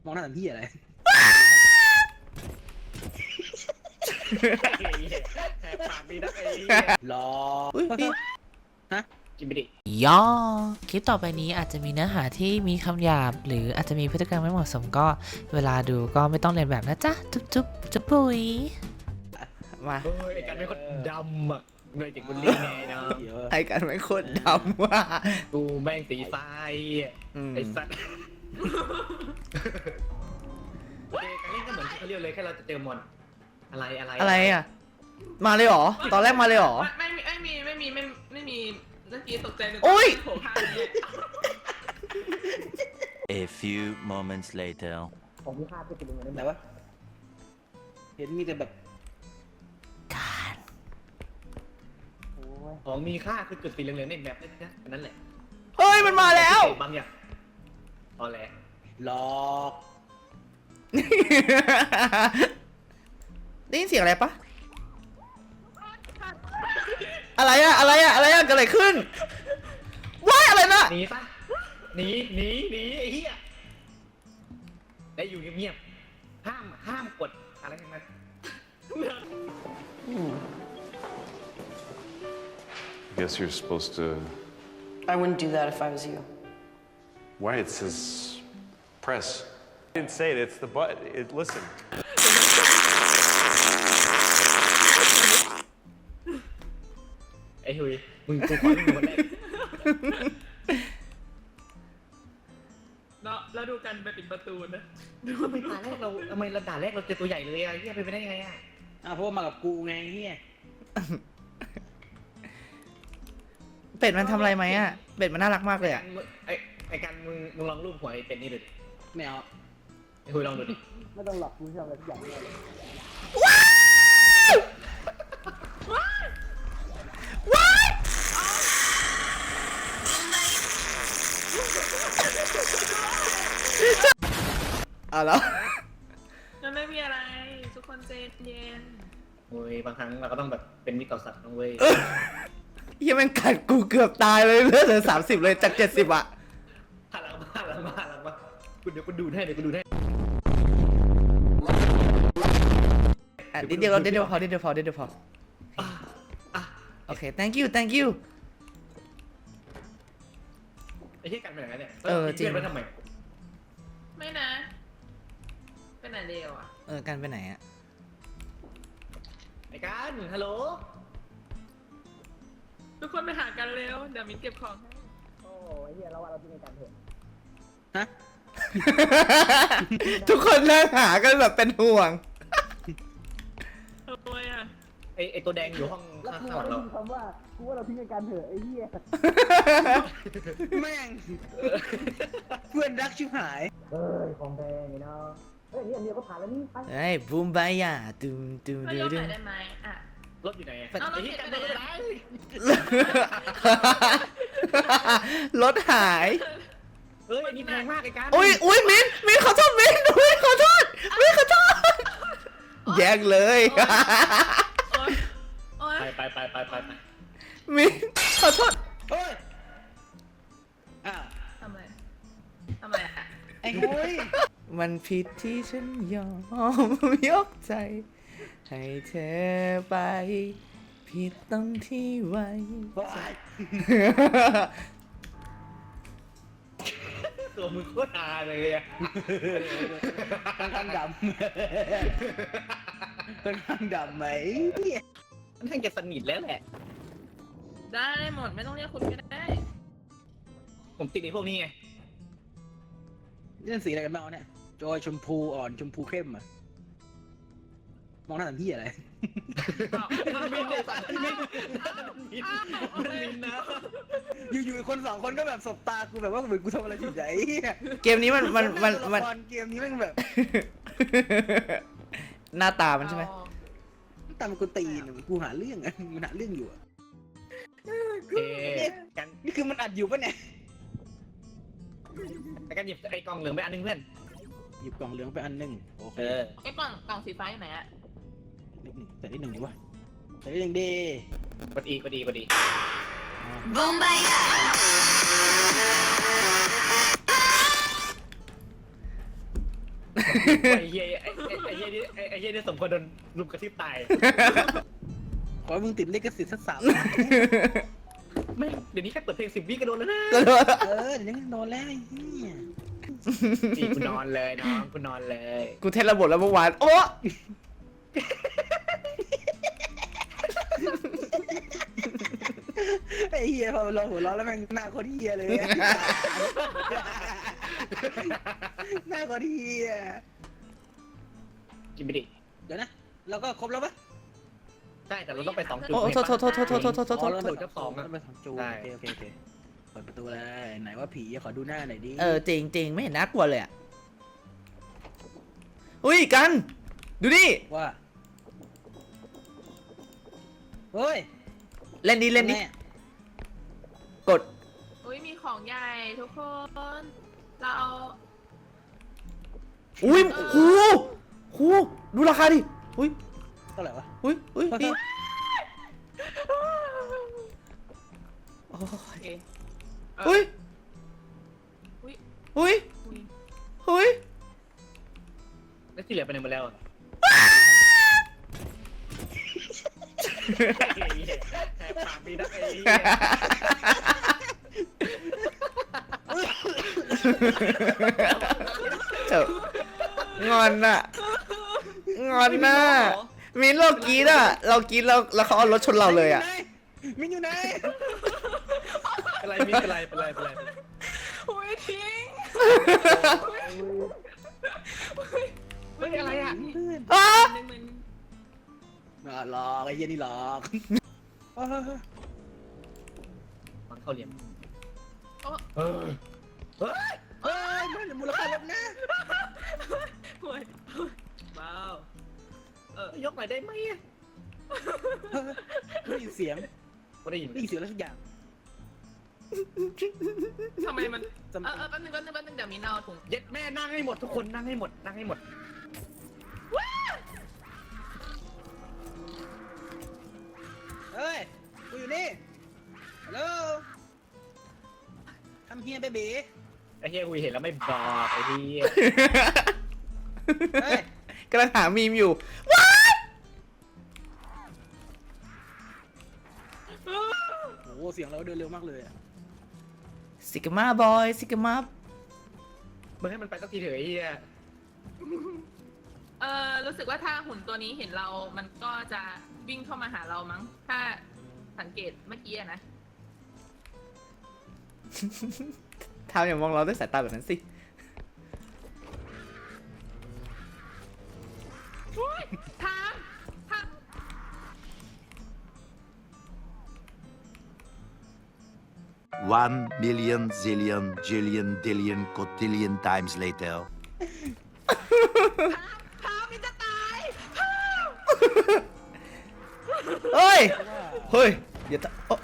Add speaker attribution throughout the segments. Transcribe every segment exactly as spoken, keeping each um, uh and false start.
Speaker 1: มองหน้าทำพี่อะไรปากดีนะไอ้รอฮะกินไปดิ
Speaker 2: ย่อคลิปต่อไปนี้อาจจะมีเนื้อหาที่มีคำหยาบหรืออาจจะมีพฤติกรรมไม่เหมาะสมก็เวลาดูก็ไม่ต้องเรียนแบบนะจ๊ะจุ๊บจุ๊บจุ๊บปุยมา
Speaker 1: ไอ้กันเป็นคนดำอ่ะเงยติดบุญเลี้ยงไงเนาะ
Speaker 2: ไอ้กันเป็นคนดำว่ะ
Speaker 1: กูแม่งสีทรายไอ้สัตว์การเล่นก็เหมือนเขาเรียกเลยแค่เราจะเจอมอนอะไรอะไร
Speaker 2: อะไรอ่ะมาเลยเหรอตอนแรกมาเลยเหรอ
Speaker 3: ไม่ไม่มีไม่มีไม่ไม่มีเมื่อกี้ตกใจนึก
Speaker 2: โอ้ย
Speaker 3: โผล่ผ้าเนี่ย
Speaker 4: A few moments later
Speaker 1: ผมมีภาพที่เป็นยังไงแต่ว่าเห็นมีแต่แบบ
Speaker 2: การ
Speaker 1: ของมีค่าคือจุดสีเหลืองๆในแมปนั่นแหละ
Speaker 2: เฮ้ยมันมาแล้ว
Speaker 1: บางอย่างตอนแรกหลอก
Speaker 2: ได้ยินเสียงอะไรปะอะไรอะอะไรอะอะไรอะเกิดอะไรขึ้นว้ายอะไรนะ
Speaker 1: หนีซะหนีหนีหนีไอ้เหี้ยได้อยู่เงียบๆห้ามห้ามกดอะไรทั้งนั้น
Speaker 5: I guess you're supposed to.
Speaker 6: I wouldn't do that if I was you.
Speaker 5: Why? It says press. I didn't say it. It's the button. It listen.
Speaker 1: ไอ้หุยมึงกูขอเล่นคนแรก
Speaker 3: เนาะแล้วดูกันไปปิดประตูนะ
Speaker 1: ดูทำไมด่าแรกเราทำไมเราด่าแรกเราเจอตัวใหญ่เลยอะเฮียเป็นไปได้ไงอะอ่ะเพราะว่ามากับกูไงเฮีย
Speaker 2: เป็ดมันทำอะไรไหมอะเป็ดมันน่ารักมากเลยอะ
Speaker 1: ไอ้ไอ้กันมึงมึงลองรูปหัวไอ้เป็ดนี่ดูดิไม่เอาไอ้หุยลองดูดิไม่ต้องหลับกูทำอะไรทุกอย่างเลย
Speaker 2: ว้าวว้าวเอาแล้ว
Speaker 3: มันไม่มีอะไรทุกคนใจเย็น
Speaker 1: โอ้ยบางครั้งเราก็ต้องแบบเป็นมิตรต่อสัตว์นะเว้ย
Speaker 2: ยังมันกัดกูเกือบตายเลยเลือดเหลือสามสิบเลยจากเจ็ดสิบอะ
Speaker 1: หันหลังมาหันหลังมาหันหลังมากูเดี๋ยวกูดูให้เดี๋ยวกูดูให้
Speaker 2: อ่ะเดี๋ยวเดี๋ยวเดี๋ยวพอเดี๋ยวพอเดี๋ยวพอโอเค thank you thank you
Speaker 1: ไอ้ที่กันไปไหนเนี่ย
Speaker 2: เออจริง
Speaker 1: ไปทำไม
Speaker 3: ไม่นะไปไหนเดียวอ่ะ
Speaker 2: เออกันไปไหนอะ
Speaker 1: ไอ้กันฮัลโหล
Speaker 3: ทุกคนไปหากันเร็วเดี๋ยวมิ้นเก็บของให้
Speaker 1: โอ้ไอ้เหี้ยเราว่าเราที่ในการเถอะ
Speaker 2: ฮะทุกคนนั่งหากันแบบเป็นห่วง
Speaker 3: ทำไมอ่ะ
Speaker 1: ไอ้ไอ้ตัวแดงอยู่ห้องข้างๆเราคำว่ากูว่าเราทิ้งกันเถอะไอ้เหี้ย
Speaker 2: แม่ง
Speaker 1: เพื่อนรักชิบหายเฮ้ยของแดงเนาะเฮ้ยนี่อันเดียวก็ผ่านแล้วนี่
Speaker 2: เฮ้ยบูมบายาตูมตูม
Speaker 3: ดูดูได้ไหมอ่ะ
Speaker 1: รถอยู่ไหน
Speaker 3: เอารถผิดไปไหน
Speaker 2: รถหาย
Speaker 1: เฮ้ยนี่แพงมากไอ้การ
Speaker 2: อุ้ยอุ้ยมิ้นมิ้นขอโทษมิ้นอุ้ยขอโทษมิ้นขอโทษแยกเลย
Speaker 1: ไปไปไปไปไป
Speaker 2: มิ้นขอโทษ
Speaker 1: เฮ้ยอ่ะ
Speaker 3: ทำไมทำไมอ่ะ
Speaker 1: ไอ้หุย
Speaker 2: มันผิดที่ฉันยอมยกใจให้เธอไปผิดตรงที่ไว้
Speaker 1: ตัวมึงโคตรอาเลยอะค่อนข้างดำค่อนข้างดำไหมค่อนข้างจะสนิทแล้วแหละ
Speaker 3: ได้หมดไม่ต้องเรียกคุณก็ได้
Speaker 1: ผมติดในพวกนี้ไงนี่สีอะไรกันบ้างเนี่ยจอยชมพูอ่อนชมพูเข้มอ่ะมองหน้าทำพี่อะไรมินเนี่ยมินมินนะอยู่ๆคนสองคนก็แบบสบตากูแบบว่าเหมือนกูทำอะไรผิดใจ
Speaker 2: เกมนี้มันมันมันมัน
Speaker 1: เกมนี้แม่งแบบ
Speaker 2: หน้าตามันใช่ไหม
Speaker 1: ตามันกูตีนกูหาเรื่องอ่ะมันหาเรื่องอยู่อ่ะกันนี่คือมันอัดอยู่ปะเนี่ยแต่กันหยิบไอ้กล่องเหลืองไปอันนึงเพื่อนหยิบกล่องเหลืองไปอันนึงโอเค
Speaker 3: ไอ้กล่องกล่องสีฟ้าอยู่ไหนอะ
Speaker 1: แต่นิดหนึ่งดีวะแต่นิดหนึ่งดีพอดีพอดีพอดี
Speaker 6: บูมบาย
Speaker 7: ไอ้เหี้ยไอ้ไอ้เหี้ยนี่ไอ้ไอ้เหี้ยนี่สมควรโดนลุมกระทืบตาย
Speaker 1: ขอให้มึงติดลิขสิทธิ์สักสาม
Speaker 7: ไม่เดี๋ยวนี้แค่เปิดเพลงสิบวิก็โดนแล้วนะ
Speaker 1: เออเดี๋ยวนี้โดนแล้วไอ้เหี้ย
Speaker 7: นี่กูนอนเลยน้องกูนอนเลย
Speaker 2: กูเทสระบบแล้วเมื่อวานโอ้
Speaker 1: ไอ้เหี้ยพอเราหัวเราะแล้วแม่งหน้าโคนเหี้ยเลย หน้าโคนเหี้ย
Speaker 7: กินไปดิ
Speaker 1: เดี๋ยวนะเราก็ครบแล้วปะ
Speaker 7: ใช่แต่เราต้องไปสองจุด
Speaker 2: โอ้โทษโทษโทษโทษโทษโทษโทษโทษ
Speaker 1: อ๋อเรา
Speaker 7: โทษ
Speaker 1: ไปสอง
Speaker 7: โทษ
Speaker 1: เราไปสองจู
Speaker 7: ใช่
Speaker 1: โอเคโอเคโอเคเปิดประตูเลยไหนว่าผีขอดูหน้าหน่อยดิ
Speaker 2: เออจริงจริงไม่เห็นน่ากลัวเลยอ่ะอุ้ยกัน ดูนี่
Speaker 1: ว่าเฮ้ย
Speaker 2: เล่นดิเล่นดิ
Speaker 1: แม่
Speaker 2: กด
Speaker 3: อุ้ยมีของใหญ่ทุกคน เราเอา
Speaker 2: อุ้ยหูหูดูราคาดิอุ้ย
Speaker 1: เท่าไหร่วะ
Speaker 2: อุ้ยอุ้ยพี่
Speaker 3: โอเคเออ
Speaker 2: อุ้ย
Speaker 3: อุ้ย
Speaker 2: อุ้ย
Speaker 3: อุ้ย
Speaker 2: อุ้ย
Speaker 7: แล้วที่เหลือไปไหนหมดแล้วอะแหกปากดีนะไอ้เหี้ย
Speaker 2: เจ้างอนน่ะงอนน่ะมินเรากรีดอ่ะเรากรีดแล้วแล้วเขาเอารถชนเราเลยอ่ะ
Speaker 1: มินอยู่ไหน
Speaker 7: อะไรมีอะไรเป็นไรเป็นไรเป็นไร
Speaker 3: อุ้ยทิ้ง
Speaker 7: เฮ้ยอะไรอ่ะ
Speaker 1: เพื่อน
Speaker 2: อ้า
Speaker 3: หนึ่งหมื่น
Speaker 1: น่าหลอกไอ้เหี้ยนี่หลอกเฮ้ย
Speaker 7: มันเข้าเหลี่ยม
Speaker 3: โอ้
Speaker 7: เออเฮ้ย
Speaker 1: เฮ้ยมันมูลค่าลดนะ
Speaker 3: โหว้าว
Speaker 7: เออยกหน่อยได้ไหมอะ
Speaker 1: ได้ยินเสียง
Speaker 7: ไม่ได้ยิน
Speaker 1: ได้ยินเสียงอะไรสักอย่าง
Speaker 3: ทำไมมัน
Speaker 1: จำ
Speaker 3: เออเออแป๊บนึงแป๊บนึงแป๊บนึงเดี๋ยวมีนเอาถุง
Speaker 7: เย็ดแม่นั่งให้หมดทุกคนนั่งให้หมดนั่งให้หมด
Speaker 1: เฮ้ยกูอยู่นี่ฮัลโหลทำเฮียเบบี
Speaker 7: ไอ้เฮียคุยเห็นแล้วไม่บอกไอ้เฮีย
Speaker 1: เฮ้ย
Speaker 2: กำลังหามีมอยู่
Speaker 1: โอ้โหเสียงเราเดินเร็วมากเลยอะ
Speaker 2: ซิกมาบอยซิกมา
Speaker 7: มึงให้มันไปสักทีเถอะไอ้เฮีย
Speaker 3: เออรู้สึกว่าถ้าหุ่นตัวนี้เห็นเรา มันก็จะวิ่งเข้ามาหาเรามั้ง ถ้าสังเกตเมื่อกี้อะนะ
Speaker 2: ทำอย่ามองเราด้วยสายตาแบบนั้นสิ
Speaker 3: ทามทาม
Speaker 4: One million zillion jillion dillion cotillion times later.
Speaker 3: ทามนี่จะตาย
Speaker 2: เฮ้ย เฮ้ย เดี๋ยวตะโอ๊ะ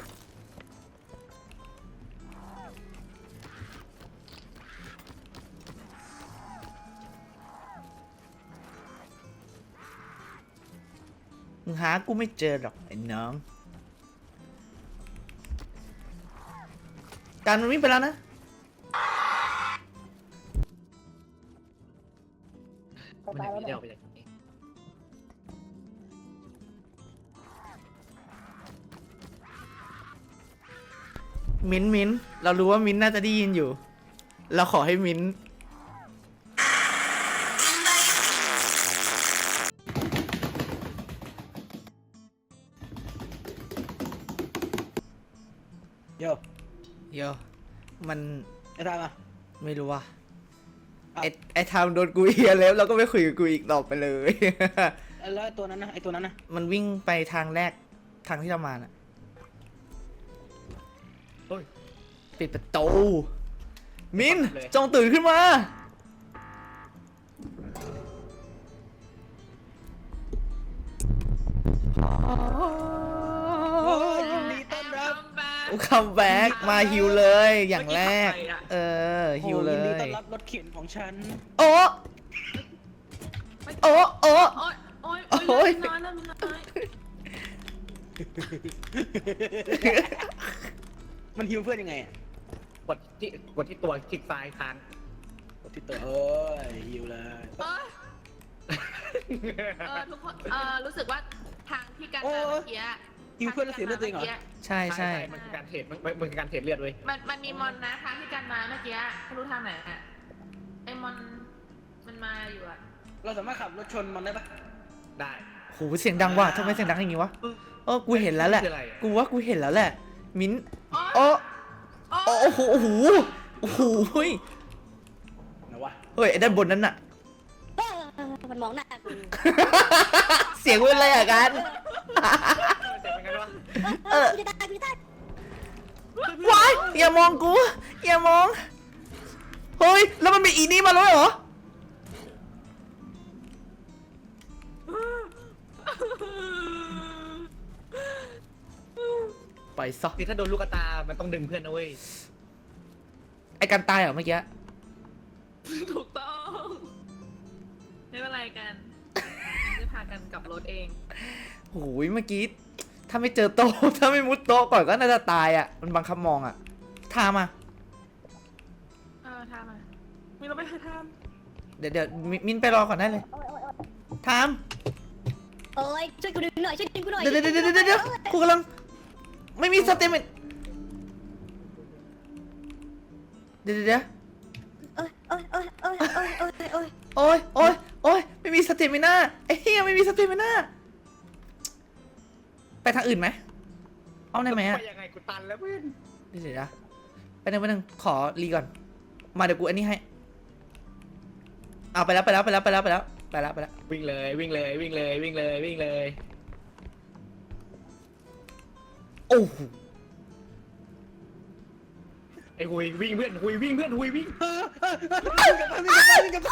Speaker 2: มึงหากูไม่เจอหรอกไอ้น้อง การมันวิ่งไปแล้วนะ
Speaker 7: มันหนีเดียวไปจากนี้
Speaker 2: มิ้นท์มิ้นท์เรารู้ว่ามิ้นท์น่าจะได้ยินอยู่ เราขอให้มิ้นท์
Speaker 1: โย
Speaker 2: โยมัน
Speaker 1: ไอ้ทามอ่ะ
Speaker 2: ไม่รู้ว่า
Speaker 1: อ้าว
Speaker 2: ไอ้ไอ้ทำโดนกูเฮียแล้วเราก็ไม่คุยกับกูอีกต่อไปเลย
Speaker 1: แล้วไอ้ตัวนั้นนะไอ้ตัวนั้นนะ
Speaker 2: มันวิ่งไปทางแรกทางที่เรามาน่ะ
Speaker 7: เฮ้ย
Speaker 2: ปิดประตู มินจงตื่นขึ้นมา
Speaker 1: โอ้ยยินดีต้อนรับ
Speaker 2: คัมแบ็กมาฮิวเลย อย่างแรก เออ ฮิวเล
Speaker 1: โอ้ยินดี
Speaker 2: ย
Speaker 1: ต้อนรับรถเข็นของฉัน
Speaker 2: โอ้โอ้โอ้
Speaker 3: โอ๊ยโอ๊ย
Speaker 2: โอ๊
Speaker 3: โอ๊
Speaker 2: ย
Speaker 3: ยน้อยแล้วน้อย
Speaker 1: มันฮิวเพื่อนยังไงอะ
Speaker 7: กดที่กดที่ตัวคลิกซ้ายค้าง
Speaker 1: ที่ตัวเอ้ยหิวเลย
Speaker 3: เออเออทุกคนเออรู้สึกว่าทางที่การมาเมื่อกี้
Speaker 1: หิวเพื่อนแล้วเสียเลือดตัวเองเหรอ
Speaker 2: ใช่ใช่
Speaker 7: มันคือการเทรดมันมันคือการเทรดเลือดเว้ย
Speaker 3: มันมันมีมอนนะทางที่การมาเมื่อกี้ไม่รู้ทางไหนอะไอมอนมันมาอยู่อะ
Speaker 1: เราสามารถขับรถชนมันได้ปะ
Speaker 7: ได้
Speaker 2: โหเสียงดังว่ะทำไมเสียงดังอย่างงี้วะเออกูเห็นแล้วแหละ
Speaker 7: คืออะไรอะ
Speaker 2: กูว่ากูเห็นแล้วแหละ มิ้น
Speaker 3: โอ้
Speaker 2: โอ้โอ้โหโอ้โหโอ้โหเฮ้ย
Speaker 1: นะวะ
Speaker 2: เฮ้ยไอ้ด้านบนนั้นน่ะ
Speaker 8: มันมองหน้ากู
Speaker 2: เสียงเป็นอะไรอะกัน
Speaker 7: เจ็บเหมือนกันวะ
Speaker 2: เออ
Speaker 8: กูจะตายกูจะตาย
Speaker 2: ว้ายอย่ามองกูอย่ามองเฮ้ยแล้วมันมีอีนี่มาแล้วเหรอไปซะ
Speaker 7: คือถ้าโดนลูกตา มันต้องดึงเพื่อนนะเว้ย
Speaker 2: ไอ้กันตายเหรอเมื่อกี้
Speaker 3: ถูกต้องไม่เป็นไรกันจะพากันกลับรถเอง
Speaker 2: โอ้ยเมื่อกี้ถ้าไม่เจอโต๊ะ ถ้าไม่มุดโต๊ะก่อนก็น่าจะตายอ่ะมันบังคับมองอ่ะทามา
Speaker 3: เออทำมามีเราไปหาท
Speaker 2: เดี๋ยวเดี๋ยวมิมินไปรอก่อนได้เลยทาม
Speaker 8: โอ้ยช่วยกูดึงหน่อยช่วยดึงกูหน่อย
Speaker 2: เดี๋ยวเดี๋ยวเดี๋ยวเดี๋ยวเดี๋ยวกูกำลังไม่มีสเตมินเดี๋ยวเดี๋ยวเดี๋ยว
Speaker 8: โอ้ยโอ้ยโอ้ยโอ้ยโอ้ยโอ้ยโอ้ย
Speaker 2: โอ้ยโอ้ยโอ้ยไม่มีสเตมิน่าไอ้เหี้ยไม่มีสเตมิน่าไปทางอื่นไหมเอาได้ไหมอะ
Speaker 7: ไปยังไงกูตันแล้วเพื่อน
Speaker 2: เดี๋ยวเดี๋ยวนะไปหนึ่งไปหนึ่งขอรีก่อนมาเดี๋ยวกูอันนี้ให้เอาไปแล้วไปแล้วไปแล้วไปแล้วไปแล้วไปแล้วไปแล้ว
Speaker 7: วิ่งเลยวิ่งเลยวิ่งเลยวิ่งเลยวิ่งเลย
Speaker 2: โอ้โห
Speaker 7: ไอ้หุยวิ่งเพื่อนหุยวิ่งเพื่อนหุยวิ่ง
Speaker 1: เออเออเออวิ่งกลับมาวิ่งกลับมาวิ่งกลับมา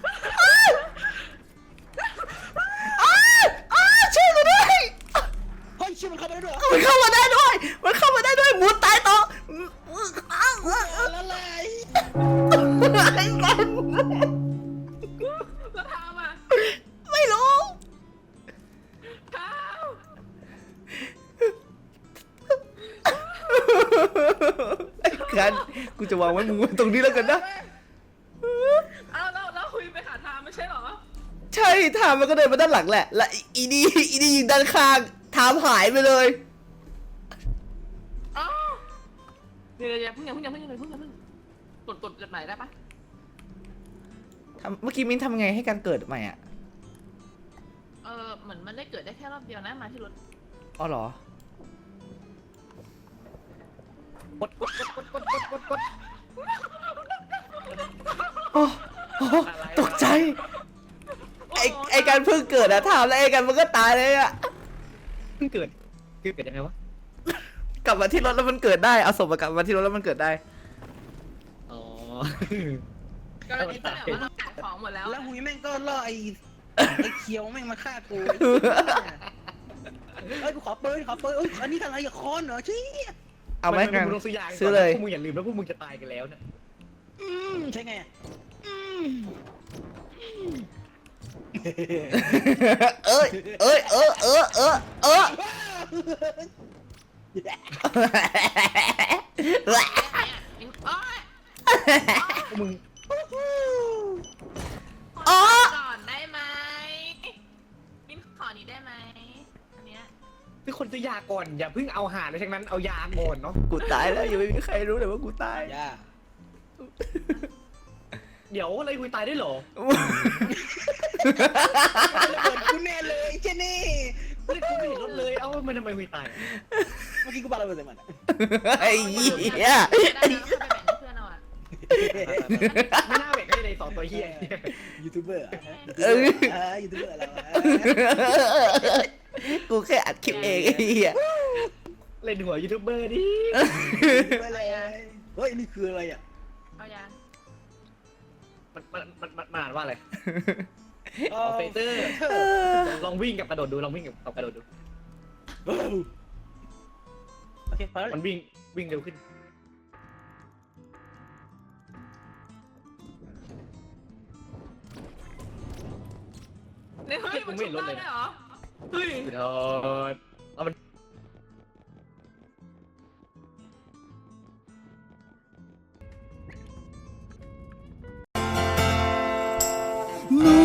Speaker 2: อ้าวอ้าวช่วยกูด้วย
Speaker 1: เฮ้ยชื่อมันเข้าไปได้ด้วยเหรอ
Speaker 2: มันเข้ามาได้ด้วยมันเข้ามาได้ด้วยหมุนตายต่ออ้าว
Speaker 1: เออละลาย
Speaker 2: ไอ้กัน
Speaker 3: ำแล้วทำอ่ะ
Speaker 2: ไม่รู้
Speaker 3: ท
Speaker 2: ไอ้กันกูจะวางไว้มึงไว้ตรงนี้แล้วกันนะ
Speaker 3: ำเอาแล้วแล้วคุยไปหาทามไม่ใช่เหรอ
Speaker 2: ใช่ทามมันก็เดินมาด้านหลังแหละ และอีนี่อีนี่ยิงด้านข้างทามหายไปเลย
Speaker 3: อ้าวเดี๋ยวเดี๋ยวเพิ่งอย่าเพิ่งอย่าเพิ่งอย่าเพิ่งอย่าเพิ่งกดกดจดหมายได้ปะ
Speaker 2: ทำเมื่อกี้มิ้นทำไงให้การเกิดใหม่อ่ะ
Speaker 3: เออเหมือนมันได้เกิดได้แค่รอบเดียวนะมาที่รถ
Speaker 2: อ๋อเหรอ
Speaker 7: กดกดกดกดกดกดกด
Speaker 2: โอ้โอ้ตกใจ ไอไอการเพิ่งเกิดอะถามแล้วไอการมันก็ตายเลยอะ
Speaker 7: เพิ่งเกิดคือเกิดยังไงวะ
Speaker 2: กลับมาที่รถแล้วมันเกิดได้ เอาศพมากลับมาที่รถแล้วมันเกิดได้
Speaker 7: อ๋อ
Speaker 3: กรณีที่แบบว่าเราขายของหมดแล้ว
Speaker 1: แล้วหุยแม่งก็ล่อไอ้ไอ้เคียวแม่งมาฆ่ากูเอ้ยกูขอปืนขอปืนเอ้ยอันนี้อะไรอะคอนเหรอชี้
Speaker 2: เอาไหม
Speaker 7: น
Speaker 2: กัน
Speaker 7: มึงต้องซื้อยา
Speaker 2: ซื้อเลย
Speaker 7: พวกมึงอย่าลืมนะพวกมึงจะตายกันแล้วนะ
Speaker 1: อืมใช่ไงอะอืม
Speaker 2: เอ้ยเอ้ยเออเออเออเออ
Speaker 3: โอ๊ย
Speaker 7: พวกมึง
Speaker 2: อ๋อ
Speaker 3: ก่อนได้ไหมมิ้นขอนี้ได้ไหมอันเนี้ย
Speaker 7: ทุกคนซื้อยาก่อนอย่าเพิ่งเอาหาเลยทั้งนั้นเอายาก่อนเนาะ
Speaker 2: กูตายแล้วยังไม่มีใครรู้เลยว่ากูตาย
Speaker 1: ย่า
Speaker 7: เดี๋ยวอะไรคุยตายได้เหรอ
Speaker 1: ระเบิดกูแน่เลยเจนี่
Speaker 7: ไม่ได้กูไม่เห็นรถเลยเอ้ามันทำไมคุยตาย
Speaker 1: เมื่อกี้กูปาระเบิดใส่มันอะ
Speaker 2: ไอ้เหี้ย
Speaker 3: ได้แล้วก็ไปแบ่งให้เพื่อนเอาอ่ะ
Speaker 7: ไม่น่าแบ่งให้เลยสองตัวเฮีย
Speaker 1: ยูทูบเบอร์อะ
Speaker 2: เออ
Speaker 1: เออยูทูบเบอร์เราอะ
Speaker 2: กูแค่อัดคลิปเองไอ้เหี้ย
Speaker 7: เล่นหัวยูทูบเบอร์ดิ
Speaker 1: ไปเลยเฮ้ยนี่คืออะไรอ่ะ
Speaker 3: เอายา
Speaker 7: มันมันมันมันมันอ่านว่าอะไร
Speaker 1: อ๋อ
Speaker 7: เฟเตอร์ลองวิ่งกับกระโดดดูลองวิ่งกับกระโดดดู
Speaker 1: โอเคพอแล้ว
Speaker 7: มันวิ่งวิ่งเร็วขึ้น
Speaker 3: เนี่ยเฮ้ยมันชุบได้ด้วยเหรอเฮ้ย
Speaker 7: โดดเอามัน
Speaker 2: No